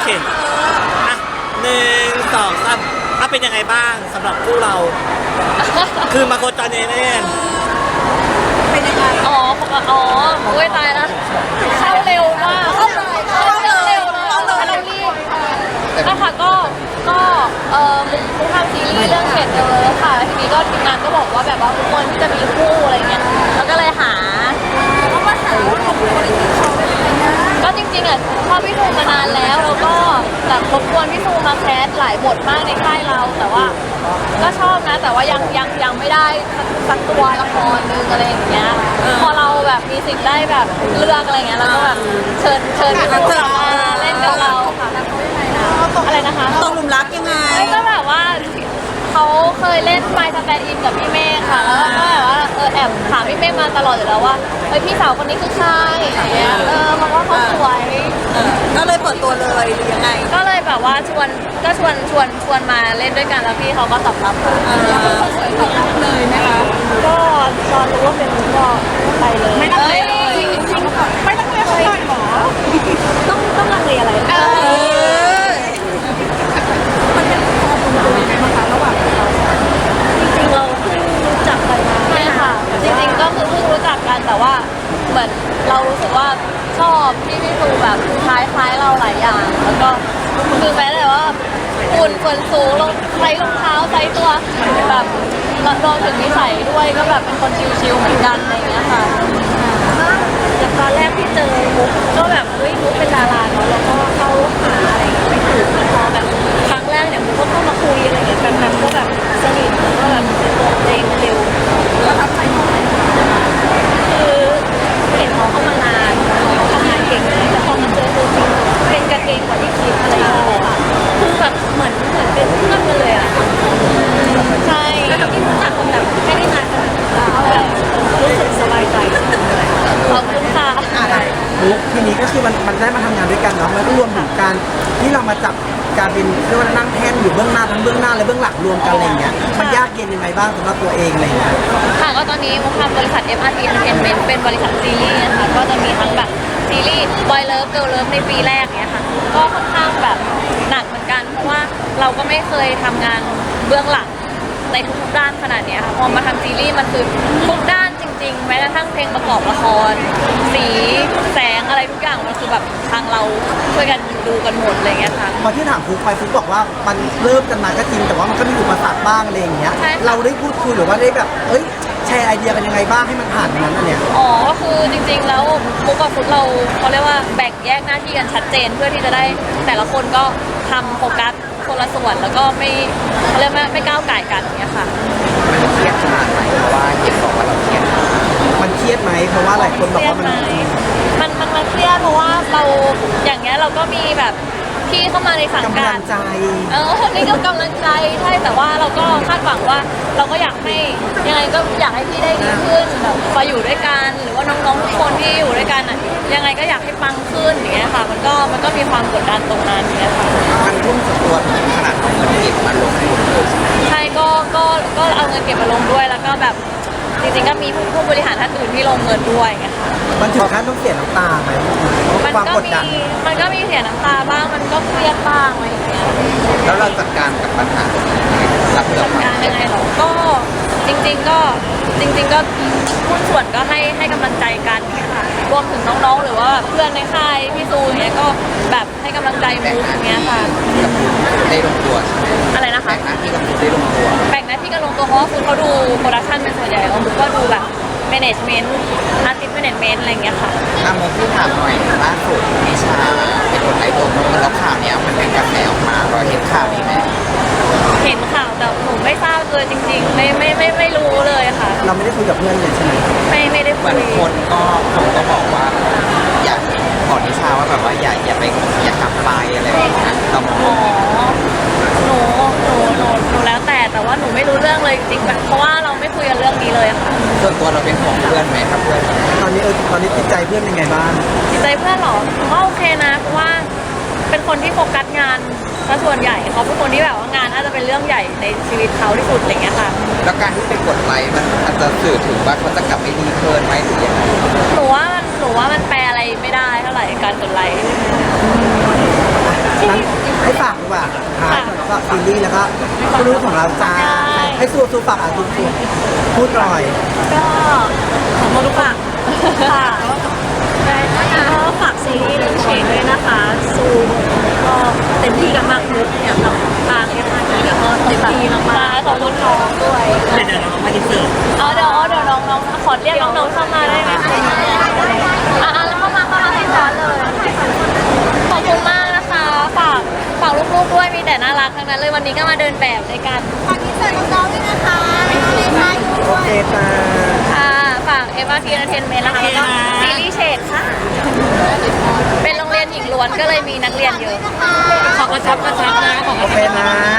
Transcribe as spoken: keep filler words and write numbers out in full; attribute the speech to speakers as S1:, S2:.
S1: เคอ่ะหนึ่งสองสามถ้าเป็นยังไงบ้างสำหรับคู่เรา คือมาโคจรเนเน่
S2: เป็นยังไง
S3: อ๋ออ๋ออุ้ยตายแล้วเข้าเร็วมากเข้าเลยเข้าเร็วนะเรารีบนะคะก็ก็เอ่อมุกทำซีรีส์เรื่องเขตเดลค่ะทีนี้ก็ทีมงานก็บอกว่าแบบว่าทุกคนที่จะมีคู่อะไรเงี้ยแล้วก็เลยหา
S2: ก็มาหาว่าของบริษัทเขาเป็นยังไงนะ
S3: ก็จริงๆอ่ะชอบพี่ทูมานานแล้วแล้วก็แบบรบกวนพี่ทูมาแคสหลายบทมากในค่ายเราแต่ว่าก็ชอบนะแต่ว่ายังยังยังไม่ได้สักตัวละครนึงอะไรอย่างเงี้ยพอเราแบบมีสิทธิ์ได้แบบเลือกอะไรเงี้ยแล้วก็แบบเชิญเชิญพี่ทูมาเล่นกับเราค่ะอะไรนะคะ
S2: ตกหลุมรักยังไง
S3: ก็แบบว่าเขาเคยเล่นไมค์สแตนด์อินกับพี่เมฆค่ะแล้วก็แบบว่าเออแอบถามพี่เมฆมาตลอดอยู่แล้วว่าเฮ้ยพี่สาวคนนี้คือใครอย่างเงี้ยเออเพราะว่าเขาสวย
S2: ก็เลยเปิดตัวเลยหรือยังไง
S3: ก็เลยแบบว่าชวนก็ชวนชวนชวนมาเล่นด้วยกันแล้วพี่เขาก็ตอบรับค่ะ
S2: เขาสวยตอบรับเลยไหมคะ
S3: ก็ตอนรู้ว่าเป็นก็ไปเลย
S2: ไม่ต้องเลยจริงจริงไม่ต้องเลยเขาหรอ
S3: ต้องต้องลังเลอะไร
S2: มันเป็นความลงตัวยังไงบ้างคะระหว่างเรา
S3: จริงๆเราเพิ่งรู้จักกันมาใช่ค่ะจริงๆก็คือเพิ่งรู้จักกันแต่ว่าเหมือนเรารู้สึกว่าชอบที่พี่ตูแบบคล้ายคล้ายเราหลายอย่างแล้วก็คือแม้แต่ว่าหุ่นส่วนสูงลงใส่รองเท้าใส่ตัวแบบรวมถึงนิสัยด้วยก็แบบเป็นคนชิลๆเหมือนกันอะไรอย่างเงี้ยค่ะจากตอนแรกที่เจอมุกก็แบบเฮ้ยมุกเป็นดาราเนาะแล้วก็เข้าหาอะไรอย่างเงี้ยไม่ถูกพอแบบครั้งแรกเนี่ยมุกก็เข้ามาคุยอะไรอย่างเงี้ยกันๆก็แบบสนิทแล้วก็แบบเป็นตัวเองเร็ว
S2: แล้วทับใจน้อง
S3: คือเห็นเขาเข้ามานานเขาทำงานเก่งเลยแต่พอมาเจอตัวจริงเป็นกันเองกว่าที่คิดอะไรอย่างเงี้ยค่ะคือแบบเหมือนเหมือนเป็นเพื่อนกันเลยอ่ะใช่แล้วที่รู้จักกันแบบไม่ได้นานขนาดนั้นแบบรู้สึกสบายใจขอบคุณค่ะ
S4: มุกทีนี้ก็คือมันมันได้มาทำงานด้วยกันเนาะมันก็รวมถึงการที่เรามาจับการเป็นเรียกว่านั่งแท่นอยู่เบื้องหน้าทั้งเบื้องหน้าและเบื้องหลังรวมกันอะไรเงี้ยมันยากเย็นยังไงบ้างสำหรับตัวเองอะไรเงี้ย
S3: ค่ะก็ตอนนี้มุกทำบริษัท เอ็ม อาร์ ที Entertainment เป็นบริษัทซีรีส์นะคะก็จะมีทั้งแบบซีรีส์ Boy Love Girl Love ในปีแรกเนี้ยค่ะก็ค่อนข้างแบบหนักเหมือนกันเพราะว่าเราก็ไม่เคยทำงานเบื้องหลังในทุกๆด้านขนาดนี้ค่ะพอมาทำซีรีส์มันคือทุกด้านจริงๆแม้กระทั่งเพลงประกอบละครสีแสงอะไรทุกอย่างมันคือแบบทางเราช่วยกันดูกันหมดอะไรเงี้ยค่ะ
S4: พอที่ถามฟุกไปฟุกบอกว่ามันเริ่มกันมาก็จริงแต่ว่ามันก็มีอุปสรรคบ้างอะไรอย่างเงี้ยเราได้พูดคุยหรือว่าได้แบบเอ้ยแชร์ไอเดียกันยังไงบ้างให้มันผ่านนั้นอันเนี้ย
S3: อ๋อก็คือจริงๆแล้วมุกกับฟุกเราเขาเรียกว่าแบ่งแยกหน้าที่กันชัดเจนเพื่อที่จะได้แต่ละคนก็ทำโฟกัสคนละส่วนแล้วก็ไม่เขาเรียกว่าไม่ก้าวไก่กันอย่างเงี้ยค่ะ
S4: มันเครียดขนาดไหนเพราะว่าเห็นบอกว่าเราเครียดมันเครียดไหมเพราะว่าหลายคนบอกว่ามัน
S3: มันมันมันเครียดเพราะว่าเราอย่างเงี้ยเราก็มีแบบพี่เข้ามาในสังกัด
S4: กำลังใจ
S3: เออนี่ก็กำลังใจใช่แต่ว่าเราก็คาดหวังว่าเราก็อยากให้ยังไงก็อยากให้พี่ได้ดีขึ้นแบบมาอยู่ด้วยกันหรือว่าน้องๆทุกคนที่อยู่ด้วยกันอ่ะยังไงก็อยากให้ปังขึ้นอย่างเงี้ยค่ะมันก็มันก็มีความกดดันตรงนั้นอย่างเงี้ยค่ะ
S4: มันทุ่มสุดตัวขนาดของมันเก็บมาลงทุนเลย
S3: ใช่ก็ก็ก็เอาเงินเก็บมาลงด้วยแล้วก็แบบจริงๆก็มีผู้บริหารท่านอื่นที่ลงเงินด้วยไงค่ะ
S4: มันถึงขั้นต้องเสียน้ำตาไหม
S3: มันก็มีมันก็มีเสียน้ำตาบ้างมันก็เครียดบ้างอะไรอย่างเงี้ย
S4: แล้วเราจัดการกับปัญหารับ
S3: จัดการยังไงหรอก็จริงๆก็จริงๆก็หุ้นส่วนก็ให้ให้กำลังใจกันค่ะรวมถึงน้องๆหรือว่าเพื่อนในค่ายพี่ซูอย่างเงี้ยก็แบบให้กำลังใจมุกอย่างเงี้ยค่ะ
S4: ได้ลงตัวใช่ไหม
S3: อะไรนะคะ
S4: แบ่งหน้าที่กับมุกได้ลงตัว
S3: แบ่งหน้าที่กันลงตัวเพราะว่าคุณเขาดูโปรดักชั่นเป็นส่วนใหญ่แล้วมุกก็ดูแบบแมネจเมนต์อาร์ติสต์แมเนจเมนต์อะไรเงี้ยค่ะ
S4: อ่ะมุกที่ถามหน่อยล่าสุดนิชาเป็นคนไร้ตัวตนแล้วข่าวเนี้ยมันเป็นกระแสออกมาเราเห็นข่าวนี้ไหม
S3: เห็นข่าวแต่หนูไม่ทราบเลยจริงๆไม่ไม่ไม่ไม่รู้เลยค่ะ
S4: เราไม่ได้คุยกับเพื่อนเลยใช่ไหม
S3: ไม่ไม่ได้คุย
S4: คนก็คนก็บอกว่าอยากบอกนิชาว่าแบบว่าอย่าอย่าไปอย่ากลับไปอะไรอย่างเงี้ยเรามอง
S3: หนูหนูหนูหนูแล้วแต่แต่ว่าหนูไม่รู้เรื่องเลยจริงๆเพราะว่าเราไม่คุยกันเรื่องนี้เลยค่ะ
S4: ส่วนตัวเราเป็นห่วงเพื่อนไหมครับเพื่อนตอนนี้เออตอนนี้จิตใจเพื่อนยังไงบ้าง
S3: จิตใจเพื่อนหรอก็โอเคนะเพราะว่าเป็นคนที่โฟกัสงานซะส่วนใหญ่เขาเป็นคนที่แบบว่างานน่าจะเป็นเรื่องใหญ่ในชีวิตเขาที่สุดอะไรเงี้ยค่ะ
S4: แล้วการที่ไปกดไลค์มันอาจจะสื่อถึงว่าเขาจะกลับไปดีเกินไหมหรือยังไง
S3: หนูว่ามันหนูว่ามันแปลอะไรไม่ได้เท่าไหร่การกดไลค์
S4: นั้นก็ซีรีส์แล้วก็ผู้รู้ของเราจ้าให้สู้สู้ฝากอ่ะสู้สู้พูดหน่อย
S3: ก็ขอมาลูกฝากค่ะก็ฝากซีรีส์เรื่องเชนด้วยนะคะซูมก็เต็มที่กันมากมุกเนี่ยกับทางเอฟไอแล้วก็เต็มที่มากๆขอบคุณน้องด้วย
S1: เดี๋ยวเรามาอินเสิร์ต
S3: เอาเดี๋ยวเดี๋ยวน้องๆขอเรียกน้องๆเข้ามาได้ไหมอ่ะแล้วเข้ามาเข้ามาให้ซ้อนเลยขอบคุณมากนะคะฝากฝากลูกๆด้วยมีแต่น่ารักทั้งนั้นเลยวันนี้ก็มาเดินแบบด้วยกัน
S2: ฝากอินเสิร์ตน้องๆด้วยนะคะไม่ต้องเลยค่ะอยู่
S4: โอ
S2: ด้วย
S4: เคจ้า
S3: ค่ะฝากเอฟอาร์ทีเอนเตอร์เทนเมนต์นะคะแล้วก็ซีรีส์เชดค่ะ เป็นโรงเรียนหญิงล้วนก็เลยมีนักเรียนเยอะ
S1: ขอกระชับกระชับนะขอก
S4: โอ
S1: ระ
S4: เค
S1: ชับ
S4: นะ